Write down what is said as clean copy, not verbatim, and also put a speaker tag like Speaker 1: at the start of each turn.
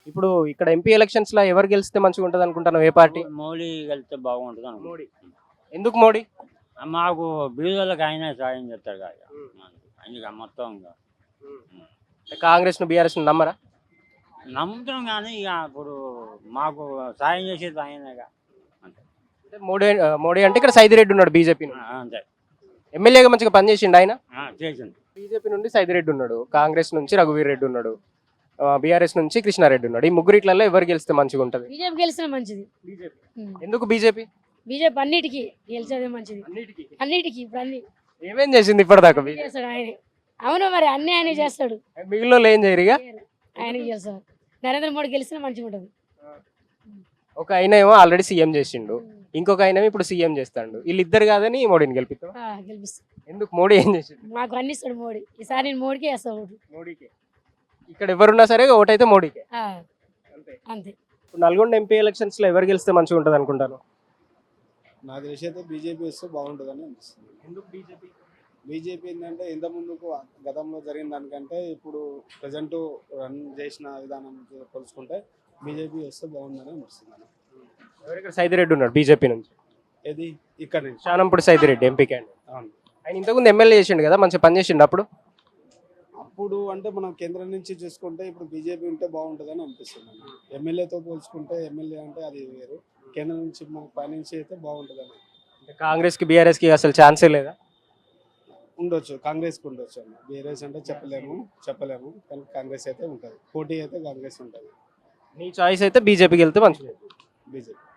Speaker 1: ఇప్పుడు ఇక్కడ MP elections లో ఎవరు గెలిస్తే మంచిగా ఉంటది అనుకుంటాను, ఏ పార్టీ?
Speaker 2: మోడీ వెళ్తే బాగుంటుంది అనుకుంటా.
Speaker 1: మోడీ. ఎందుకు మోడీ?
Speaker 2: మాకు బీదోళ్ళకి ఆయన సాయం చేస్తాడు కదా అందుకే మొత్తం ఇంకా.
Speaker 1: కాంగ్రెస్ ను బీఆర్ఎస్ ను నమ్మరా?
Speaker 2: నమ్ముతున్నాం కానీ ఇక ఇప్పుడు మాకు సాయం చేసేది ఆయనగా అంతే.
Speaker 1: అంటే మోడీ అంటే ఇక్కడ సైదిరెడ్డి ఉన్నాడు బీజేపీ
Speaker 2: అంతే
Speaker 1: ఎమ్మెల్యేగా మంచిగా పనిచేసిండు ఆయన.
Speaker 2: చేసింది.
Speaker 1: బీజేపీ నుండి సైదిరెడ్డి ఉన్నాడు, కాంగ్రెస్ నుంచి రఘువీర్ రెడ్డి ఉన్నాడు, బీఆర్ఎస్ నుంచి కృష్ణారెడ్డి ఉన్నాడు. ఈ ముగ్గురిట్లలో ఎవరు గెలిస్తే మంచిగా ఉంటది?
Speaker 3: బీజేపీ గెలిచిన మంచిది.
Speaker 1: ఎందుకు బీజేపీ?
Speaker 3: బీజేపీ అన్నిటికీ గెలిచేదే మంచిది. అన్నిటికీ ఇప్పుడు అన్ని
Speaker 1: ఏమేం చేసింది ఇప్పటిదాకా?
Speaker 3: చేస్తాడు ఆయనే. అవును మరి అన్ని ఆయన చేస్తాడు.
Speaker 1: మిగిలిన వాళ్ళు ఏం చేయరు ఇక?
Speaker 3: ఆయనకి చేస్తాడు. నరేంద్ర మోడీ గెలిచినా మంచిగా ఉంటుంది.
Speaker 1: ఒక ఆయన ఏమో ఆల్రెడీ సీఎం చేసిండు, ఇంకొక ఆయన ఇప్పుడు సీఎం చేస్తాడు. వీళ్ళిద్దరు కాదని మోడీని గెలిపిస్తాం.
Speaker 3: గెలిపిస్తాడు.
Speaker 1: ఎందుకు? మోడీ ఏం చేసిండు?
Speaker 3: మాకు అన్ని ఇస్తాడు మోడీ. ఈసారి నేను మోడీకే వేస్తాను ఓటు.
Speaker 1: మోడీకే. ఇక్కడ ఎవరున్నా సరే ఓటైతే మోడీకే. అంతే.
Speaker 3: అంతే.
Speaker 1: ఇప్పుడు నల్గొండ ఎంపీ ఎలక్షన్స్ లో ఎవరు గెలిస్తే మంచిగా ఉంటది అనుకుంటాను?
Speaker 4: నాకు తెలిసి అయితే బీజేపీ వస్తే బాగుంటుందని అనిపిస్తుంది.
Speaker 1: ఎందుకు బీజేపీ?
Speaker 4: బీజేపీ ఏంటంటే ఇంత ముందుకు గతంలో జరిగిన దానికంటే ఇప్పుడు ప్రజెంట్ రన్ చేసిన విధానం పోల్చుకుంటే బీజేపీ వస్తే బాగుందని అనిపిస్తుంది.
Speaker 1: ఎవరిక్కడ? సైదిరెడ్డి ఉన్నాడు బీజేపీ నుంచి.
Speaker 4: ఏది ఇక్కడ నుంచి
Speaker 1: శానంపూడి సైదిరెడ్డి ఎంపీ క్యాండిడేట్.
Speaker 4: అవును.
Speaker 1: ఆయన ఇంతకుముందు ఎమ్మెల్యే చేసిండు కదా, మంచిగా పని చేసిండు అప్పుడు.
Speaker 4: అప్పుడు అంటే మనం కేంద్రం నుంచి చూసుకుంటే ఇప్పుడు బీజేపీ ఉంటే బాగుంటుందని అనిపిస్తుంది. ఎమ్మెల్యేతో పోల్చుకుంటే ఎమ్మెల్యే అంటే అది వేరు, కేంద్రం నుంచి మనకు పైనుంచి అయితే బాగుంటుందని.
Speaker 1: కాంగ్రెస్ కి బీఆర్ఎస్ కి అసలు ఛాన్సే లేదా?
Speaker 4: ఉండొచ్చు, కాంగ్రెస్కి ఉండొచ్చు అన్న. బీఆర్ఎస్ అంటే చెప్పలేము కానీ కాంగ్రెస్ అయితే ఉంటుంది. పోటీ అయితే కాంగ్రెస్ ఉంటుంది.
Speaker 1: నీ చాయిస్ అయితే బీజేపీకి వెళ్తే మంచిది.
Speaker 4: బీజేపీ